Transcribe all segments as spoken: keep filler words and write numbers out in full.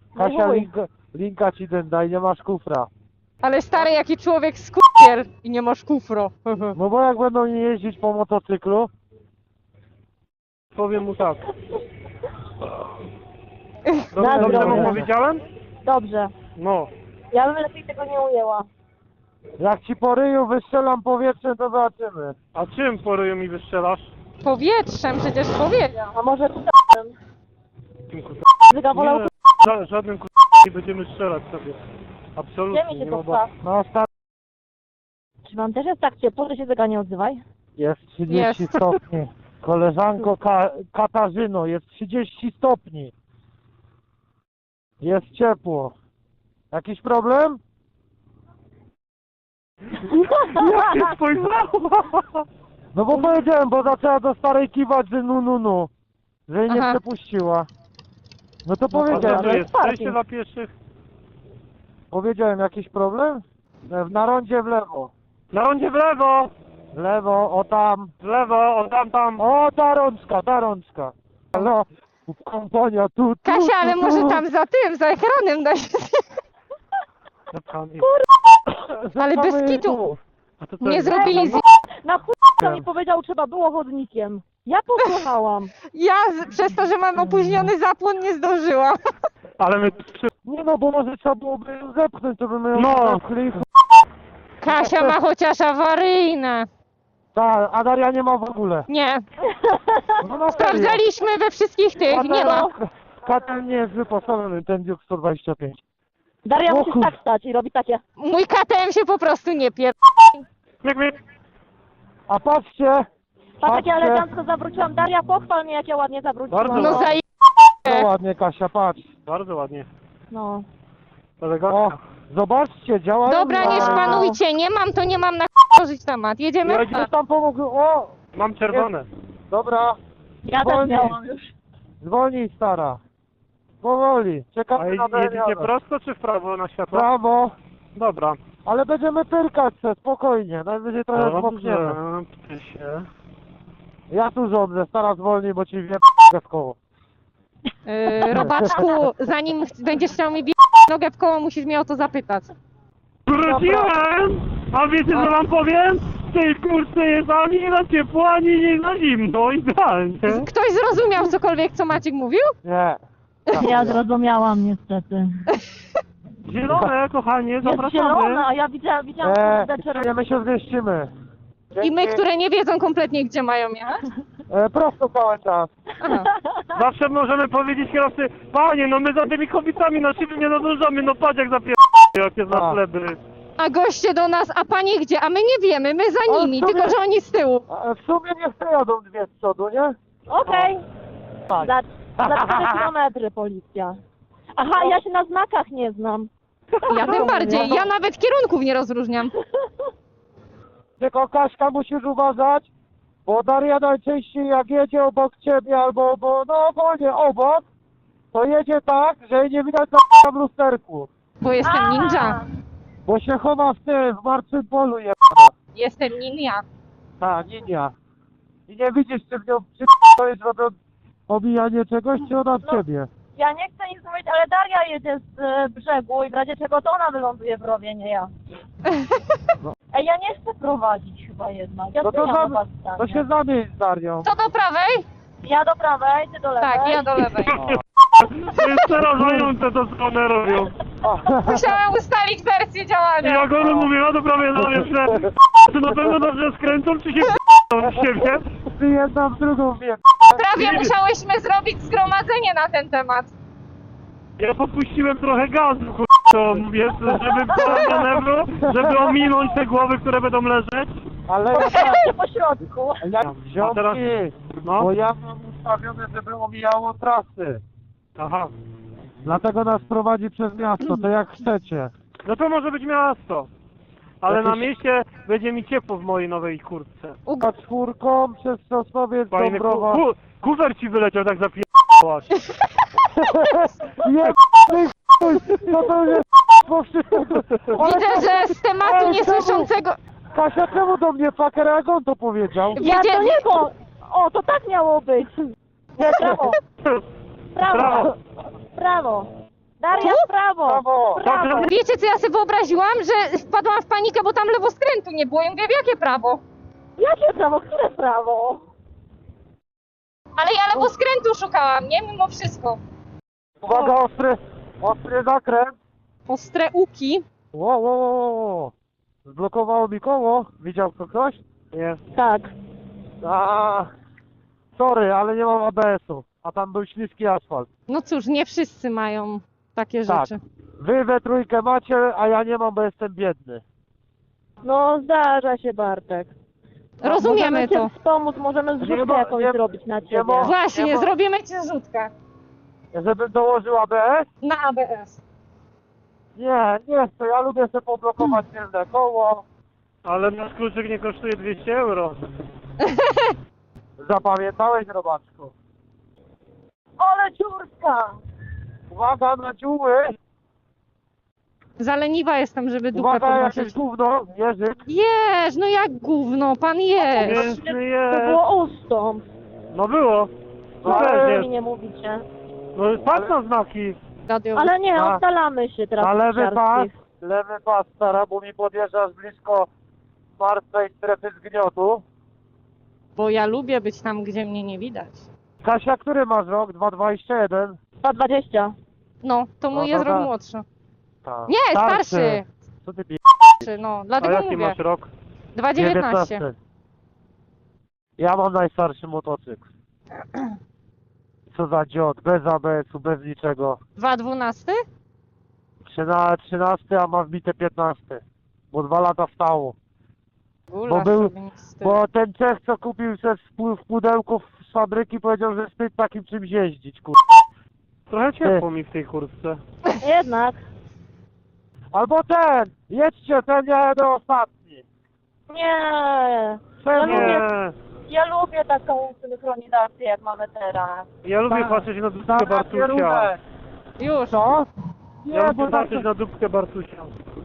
Kasia, chuj. linka, linka ci ten daj, nie masz kufra. Ale stary, jaki człowiek skupier i nie masz kufro. No bo jak będą nie jeździć po motocyklu, Powiem mu tak. Dobrze, Dobrze mu dobrze. powiedziałem? Dobrze. No. Ja bym lepiej tego nie ujęła. jak ci po ryju wystrzelam powietrze, to zobaczymy. A czym po ryju mi wystrzelasz? Powietrzem przecież powiedział. A może p***em? Tym kurwa. Zyga wolał Nie, ża żadnym kurwa nie będziemy strzelać sobie. Absolutnie, Gdzie mi nie się ma to obaw. pcha? No stary, Czy wam też jest tak ciepło, że się Zyga nie odzywaj? jest trzydzieści Jest. stopni. Koleżanko Ka Katarzyno, jest trzydzieści stopni. Jest ciepło. Jakiś problem? Jak się spojrzała? No bo powiedziałem, bo zaczęła do starej kiwać, że nu nu nu. Że jej nie Aha. przepuściła. No to A co powiedziałem, to to jest? jest parking. Przejście dla pieszych? powiedziałem jakiś problem? E, Na rondzie w lewo. Na rondzie w lewo! W lewo, o tam. W lewo, o tam, tam. O, ta rączka, ta rączka. No, kompania tu, tu, Kasia, ale tu, może tu. tam za tym, za ekranem da się... Zapchany. Ale bez Zapamy kitu. tu. A to co Nie jest? zrobili z... Na chuj co mi powiedział, trzeba było chodnikiem. Ja posłuchałam. Ja z... przez to, że mam opóźniony zapłon nie zdążyłam. Ale my... przy- Nie no, bo może trzeba byłoby ją zepchnąć, to by my ją No. zepchli. Kasia ma chociaż awaryjne. Tak, a Daria nie ma w ogóle. Nie. No na serio. Sprawdzaliśmy we wszystkich tych, nie ma. Katel nie jest wyposażony, ten Duke sto dwadzieścia pięć. Daria O musi kur- tak stać i robi takie. Mój K T M się po prostu nie pier... Jak my... A patrzcie, Patrz jak ja Patrzcie. elegancko zawróciłam. Daria, pochwal mnie jak ja ładnie zawróciłam. Bardzo No no. zaje... no ładnie Kasia, patrz. Bardzo ładnie. no. O, Elegancko. zobaczcie, działają. Dobra, nie Wow. szpanujcie, nie mam, to nie mam na tworzyć temat. Jedziemy? Ja gdzieś tam pomogły, o, Mam czerwone. dobra, Ja też Wolniej. miałam już. zwolnij stara. Powoli, A czekamy na jedziecie Dariana. prosto czy w prawo na światło? Brawo, Dobra. ale będziemy pyrkać se, spokojnie, najwyżej trochę Dobrze. zmokniemy. Pty się. Ja tu rządzę, stara zwolnij, bo ci wie w koło. Yy, robaczku, zanim ch- będziesz chciał mi bie... nogę w koło, musisz mnie o to zapytać. Wróciłem! A wiecie co wam powiem? W tej kurce jest ani na ciepło, ani nie na zimno. Idealnie. Ktoś zrozumiał cokolwiek, co Maciek mówił? Nie. Ja zrozumiałam niestety. Zielone, kochanie, Jest zapraszamy. zielona, a ja widziałam, widziałam Eee, kurde czerwone. nie, my się zmieścimy. I my, Dzięki. które nie wiedzą kompletnie, gdzie mają jechać? E, prosto cały czas. Aha. Zawsze możemy powiedzieć kierowcy, panie, no my za tymi kobietami na siebie nie nadążamy, no patrz jak zapier... jakie za A. pleby. A goście do nas, a panie gdzie? A my nie wiemy, my za Ale nimi, w sumie- tylko że oni z tyłu. A w sumie niech te jadą dwie z przodu, nie? Okej. Tak. Za, za cztery kilometry policja. Aha, ja się na znakach nie znam. Ja tym bardziej, ja nawet kierunków nie rozróżniam. Tylko Kaśka musisz uważać, bo Daria najczęściej jak jedzie obok ciebie albo, bo, no ogólnie obok, to jedzie tak, że jej nie widać na w lusterku. Bo jestem ninja. Bo się chowa w tym, w martwym polu je... Jestem ninja. Ta, ninia. I nie widzisz, czy w nią czy to jest robią omijanie czegoś, czy ona w No. ciebie. Ja nie chcę nic mówić, ale Daria jedzie z e, brzegu i w razie czego to ona wyląduje w rowie, nie ja. No. Ej, ja nie chcę prowadzić chyba jednak. Ja No to, zmieniam zam, was to się zamień z Darią. Co do prawej? Ja do prawej, ty do lewej. Tak, ja do lewej. To jest przerażające to, co one robią. Musiałem ustalić wersję I działania. jak one mówią, a to prawie na że czy na pewno dobrze skręcą, czy się w siebie? Ty jedna w drugą wiem. Prawie musiałyśmy zrobić zgromadzenie na ten temat. Ja popuściłem trochę gazu, to wiesz, żeby było manewru, żeby ominąć te głowy, które będą leżeć. Ale ja, Postawię po środku. ja A teraz- ziomki, No, bo ja mam ustawione, żeby omijało trasy. aha. Dlatego nas prowadzi przez miasto, to jak chcecie. No to może być miasto. Ale na Jakieś- mieście będzie mi ciepło w mojej nowej kurtce. A czwórką przez Sosnowiec, Fajny ku, Dąbrowa. ku, kufer ci wyleciał tak zapierdłaś. Jebany chuj, co to jest po wszystko. Widzę, że z tematu Ej, czemu? niesłyszącego... Kasia, czemu do mnie fucker, jak on to powiedział? Ja Wiecie- to nie, bo... O, to tak miało być. Nie, prawo, prawo, Brawo. prawo. Daria, w prawo! Brawo! W prawo! Wiecie, co ja sobie wyobraziłam? Że wpadłam w panikę, bo tam lewoskrętu nie było. Ja mówię, w jakie prawo? Jakie prawo? Które prawo? Ale ja lewoskrętu szukałam, nie? Mimo wszystko. Uwaga, ostry, ostry zakręt. Ostre uki. Ło, ło, ło, ło. Zblokowało mi koło. Widział to ktoś? Jest. Tak. A, sorry, ale nie mam A B S-u. A tam był śliski asfalt. No cóż, nie wszyscy mają takie Tak. rzeczy. Wy we trójkę macie, a ja nie mam, bo jestem biedny. No zdarza się, Bartek. Rozumiemy możemy to. cię wspomóc, możemy Nie zrzutkę ma- jakąś nie- zrobić na nie ciebie. ma- Właśnie, Nie ma- zrobimy ci zrzutkę Żebym dołożył A B S? na A B S. Nie, nie chcę. Ja lubię sobie poblokować tylne koło. Ale nasz kluczyk nie kosztuje dwieście euro. Zapamiętałeś, robaczku? Ale ciurska! Uwaga na dziuły. Za leniwa jestem, żeby dupę Uwaga, jakieś podnosić. gówno. Jerzyk. Jeż, no jak gówno, pan jeż. Piękny To jest. było ustąp. No było. No Ale- też Mi jest. nie mówicie. No patrz na znaki. Radio. Ale nie, A- oddalamy się teraz Na od lewy pas. siarskich. Lewy pas, stara, bo mi podjeżdżasz blisko martwej strefy zgniotu. Bo ja lubię być tam, gdzie mnie nie widać. Kasia, który masz rok? dwa dwadzieścia jeden? dwa dwadzieścia. No, to mój No jest dobra. rok młodszy. Tak. Nie, starszy. Co ty pie... Starszy, no, A dlatego jaki mówię. masz rok? dwa dziewiętnaście. dziewiętnaście. Ja mam najstarszy motocykl. Co za dziot, bez A B S-u, bez niczego. dwa dwanaście? Trzyna, trzynasty, a ma wbite piętnaście. Bo dwa lata stało. Gulasz był- sobie nie wstyd. Bo ten Czech, co kupił se w, pu- w pudełku z fabryki, powiedział, że wstyd takim czymś jeździć, kur... Trochę ciepło mi w tej kurtce. Jednak. Albo ten! Jedźcie, ten ja jadę ostatni. Nie. Czemu? Nie. Ja lubię taką synchronizację, jak mamy teraz. Ja lubię Tak. patrzeć na dupkę Dawaj Bartusia. kierunek. Już. Co? Nie, Ja bo lubię tak... patrzeć na dupkę Bartusia.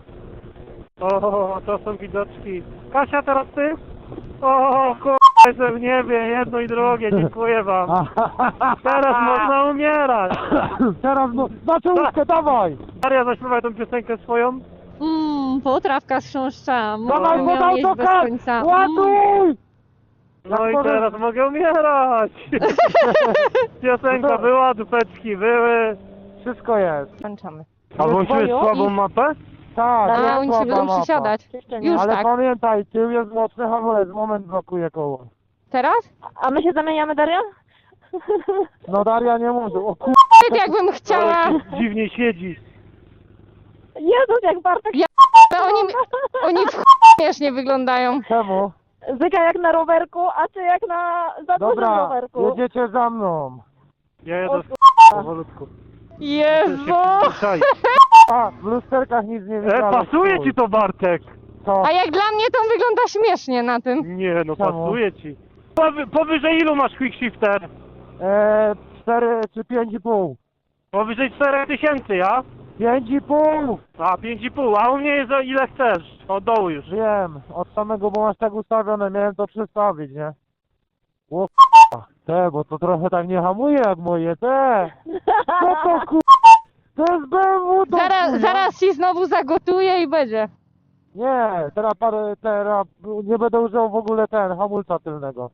O, to są widoczki. Kasia, teraz ty? O, k***a, jestem w niebie, jedno i drugie, dziękuję wam. Teraz można umierać. Teraz no... Na czołówkę, dawaj! Maria, zaśpiewaj tą piosenkę swoją. Mmm, potrawka z chrząszcza. Dawaj, Mógłbym bo ją jeść bez autokar! końca. Mm. Ładuj! No Jak i może- teraz mogę umierać. Piosenka była, dupeczki były. Wszystko jest. Kończamy. A włączyłeś dzwonią słabą i- mapę? Tak, A jest oni się słaba będą mapa. przysiadać. Jeszcze nie. Już Ale tak. pamiętaj, tył jest mocny hamulec, moment blokuje koło. Teraz? A my się zamieniamy, Daria? No Daria nie może, o kur... Tak jakbym chciała. Ale dziwnie siedzi. Jezus, jak Bartek Ja- Oni, oni w ch... śmiesznie wyglądają. Czemu? Zyka jak na rowerku, a ty jak na za dużym Dobra, rowerku. jedziecie za mną. Ja O jadę kur- w powolutku. Jezu! A, w lusterkach nic nie E, widziałem. pasuje ci to, Bartek? Co? A jak dla mnie to wygląda śmiesznie na tym. Nie, no Czemu? pasuje ci. Powy, powyżej ilu masz quick shifter? E, cztery czy pięć i pół? Powyżej czterech tysięcy, ja? Pięć i pół! A, pięć i pół, a u mnie jest o ile chcesz. Od dołu już. Wiem, od samego, bo masz tak ustawione, miałem to przestawić, nie? O k***a, te, bo to trochę tak nie hamuje jak moje, te! Co to k***a? To jest B M W do Zaraz, chuja. zaraz ci znowu zagotuję i będzie. Nie, teraz parę, teraz nie będę używał w ogóle ten, hamulca tylnego.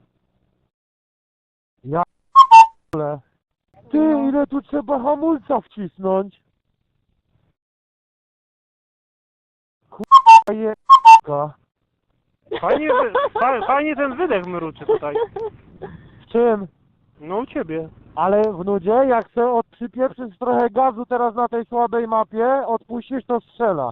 Ja p***le. Ty, ile tu trzeba hamulca wcisnąć? K***a je... Fajnie, wy- fa, fajnie ten wydech mruczy tutaj. W czym? No u ciebie. Ale w nudzie, jak se od przypieprzysz trochę gazu teraz na tej słabej mapie, odpuścisz, to strzela.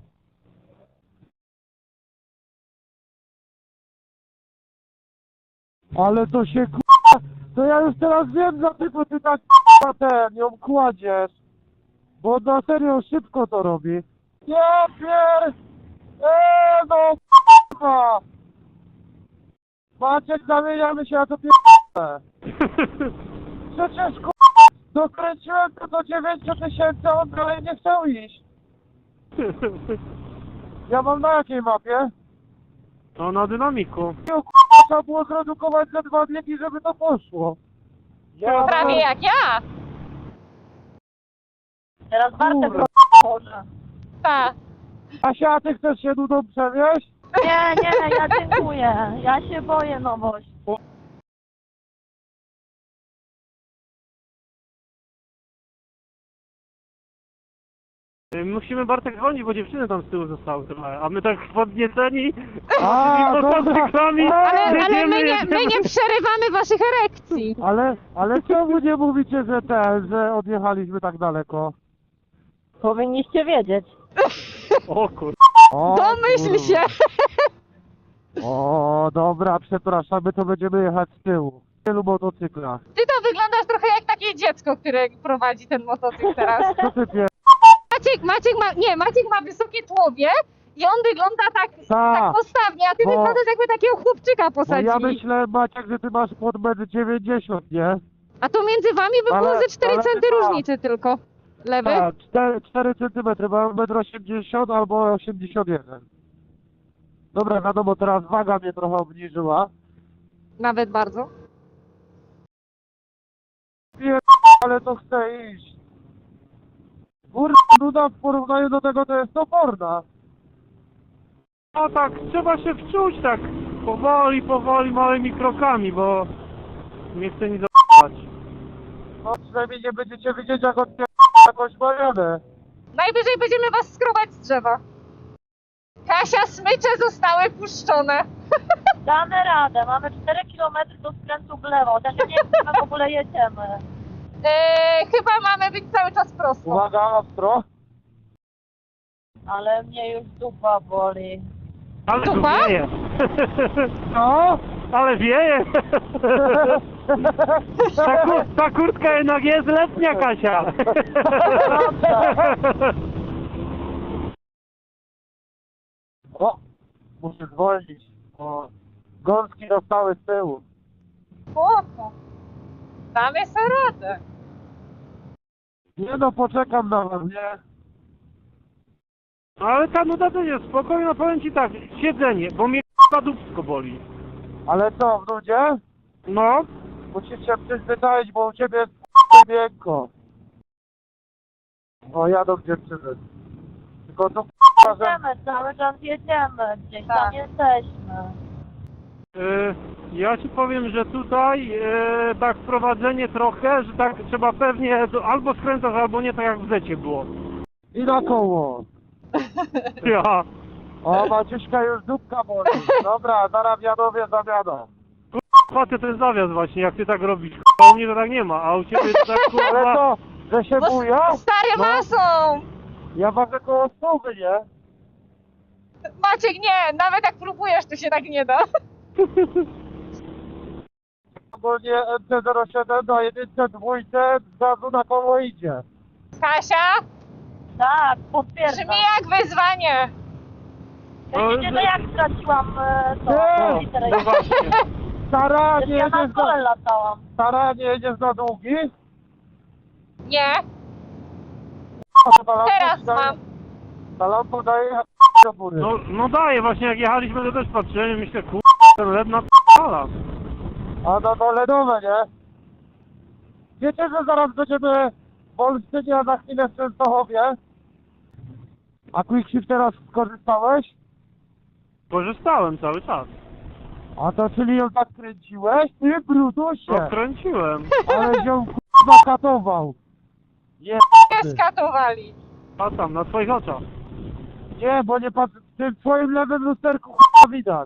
Ale to się k***a, to ja już teraz wiem, dlaczego ty tak k***a ten, ją kładziesz. Bo na serio szybko to robi. Ja pier... Eee, no k***a. Maciek, zamieniamy się, a to pier... Przecież k***a, dokręciłem to do dziewięciu tysięcy, a on dalej nie chciał iść. Ja mam na jakiej mapie? No na dynamiku. Nie, k***a, trzeba było zredukować za dwa biegi, żeby to poszło. Ja Prawie jak ja. Teraz Bartek Kurwa. może. Ta. Asia, ty chcesz się nudą przewieźć? Nie, nie, ja dziękuję. Ja się boję nowości. Y, Musimy Bartek dzwonić, bo dziewczyny tam z tyłu zostały trochę, a my tak podnieceni A, z dobra. motocyklami Ale, ale jedziemy, my, nie, jedziemy. my nie przerywamy waszych erekcji. Ale, ale czemu nie mówicie, że ten, że odjechaliśmy tak daleko? Powinniście wiedzieć. O kur... O, Domyśl kurwa. się. O, dobra, przepraszam, my to będziemy jechać z tyłu. W wielu motocyklach. Ty to wyglądasz trochę jak takie dziecko, które prowadzi ten motocykl teraz. Co ty pier... Maciek, Maciek ma, nie, Maciek ma wysokie tłowie i on wygląda tak, Ta, tak postawnie, a ty bo- wyglądasz jakby takiego chłopczyka bo posadzili. ja myślę, Maciek, że ty masz pod metr dziewięćdziesiąt, nie? A to między wami by było Ale- ze cztery ale centy tak. różnicy tylko. Lewy? Tak, cztery centymetry, mam metr osiemdziesiąt albo osiemdziesiąt jeden. Dobra, wiadomo, teraz waga mnie trochę obniżyła. Nawet bardzo. Pier... ale to chcę iść. Kurwa, nuda w porównaniu do tego to jest toporna. No tak, trzeba się wczuć tak powoli, powoli, małymi krokami, bo nie chcę nic z***ać. No przynajmniej nie będziecie widzieć, jak odpier... jakąś marianę. Najwyżej będziemy was skrobać z drzewa. Kasia, smycze zostały puszczone. Damy radę. Mamy cztery kilometry do skrętu w lewo. Chociaż ja nie wiem, czy my w ogóle jedziemy. Eee, chyba mamy być cały czas prosto. Uwaga, ostro. Ale mnie już dupa boli. Ale tu Dupa? wieje. No? Ale wieje. Ta, kur, ta kurtka jednak jest letnia, Kasia. O, muszę zwolnić, bo gąski dostały z tyłu. Spoko. Damy sobie radę. Nie no, poczekam na was, nie? Ale ta nuda też jest spokojna, powiem ci tak, siedzenie, bo mnie dupsko boli. Ale co, w nudzie? No, Musisz się przyzwyczaić, bo u ciebie jest miękko. O, jadą dziewczyny. Tylko to że... Jedziemy, cały czas jedziemy. Gdzieś Tak. tam jesteśmy. y, ja ci powiem, że tutaj y, tak wprowadzenie trochę, że tak trzeba pewnie do, albo skręcać, albo nie, tak jak w zecie było. I na koło. Ja. O, Maciuśka już dupka boli. Dobra, zaraz wiadowie zamianą. Patrzę ten zawias właśnie, jak ty tak robisz. A u mnie to tak nie ma, a u ciebie to tak Ale kurwa... to, że się Bo buja? s- stary No. masą! Ja ważę koło stówy, nie? Maciek, nie, nawet jak próbujesz, to się tak nie da. Ogólnie M T zero siedem na jedynce, dwójce, z razu na koło idzie. Kasia, Tak, potwierdzam. brzmi jak wyzwanie. Wiecie, że jak straciłam e, to, Nie. literę No właśnie. Stara, nie ja na jedziesz kole na... latałam. Stara, nie jedziesz na długi? Nie, Ta lampa teraz ci daje- mam. Ta lampa daje do góry. No, no daje, właśnie jak jechaliśmy, to też patrzyłem i myślę, kur... ten led na p***ala. A no to ledowe, nie? Wiecie, że zaraz będziemy w Olsztynie, a za chwilę w Częstochowie? A Quickshift teraz skorzystałeś? Korzystałem cały czas. A to czyli ją tak kręciłeś? Ty brutusie! Odkręciłem. Ale ją k***a katował. Nie, Nie skatowali. A tam, na twoich oczach. nie, bo nie patrz, w tym twoim lewym lusterku k***a widać.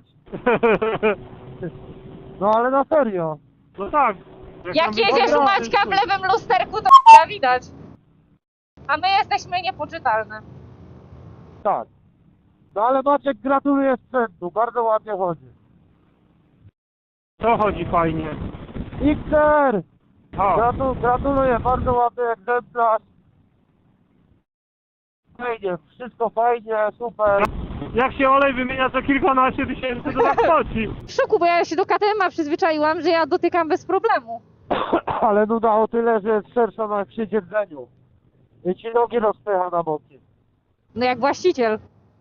No ale na serio. No tak. Jak nam jedziesz u wychodzi- Maćka w lewym lusterku, to k***a widać. A my jesteśmy niepoczytalne. Tak. No ale Maciek, gratuluję sprzętu, bardzo ładnie chodzi. To chodzi fajnie. X R! O, Gratu, gratuluję, bardzo ładny egzemplarz. Fajnie, wszystko fajnie, super. jak się olej wymienia co kilkanaście tysięcy, to tak chodzi. W szoku, bo ja się do K T M-a przyzwyczaiłam, że ja dotykam bez problemu. Ale nuda o tyle, że jest szersza na przy siedzeniu. I ci nogi rozpycha na boki. No jak właściciel.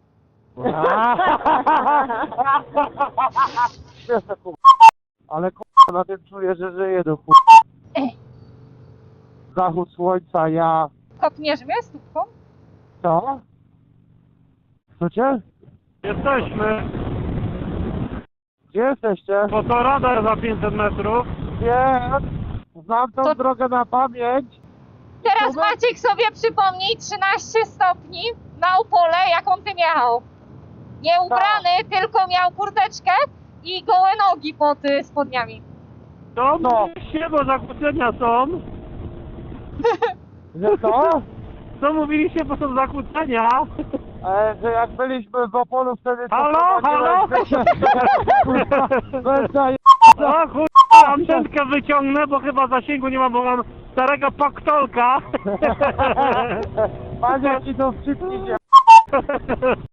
Śmieszne, kur- Ale k***a, na tym czuję, że żyję do k***a. Zachód słońca, ja. Kopniesz mnie stópką? Co? Słuchajcie? Jesteśmy. Gdzie jesteście? Bo to radar za pięćset metrów. Wiem. Znam tą To- drogę na pamięć. Teraz Dobra. Maciek sobie przypomnij trzynaście stopni na upole, jak on tym jechał. Nie ubrany, tylko miał kurteczkę i gołe nogi pod y, spodniami. To No. mówiliście, bo zakłócenia są. Że co? Co mówiliście, bo są zakłócenia? E, że jak byliśmy w Opolu wtedy... to Halo, prowadziłeś- halo? Bez zaje- O chuj, antenkę wyciągnę, bo chyba zasięgu nie mam, bo mam starego paktolka. Panie, ci to wczytnijcie.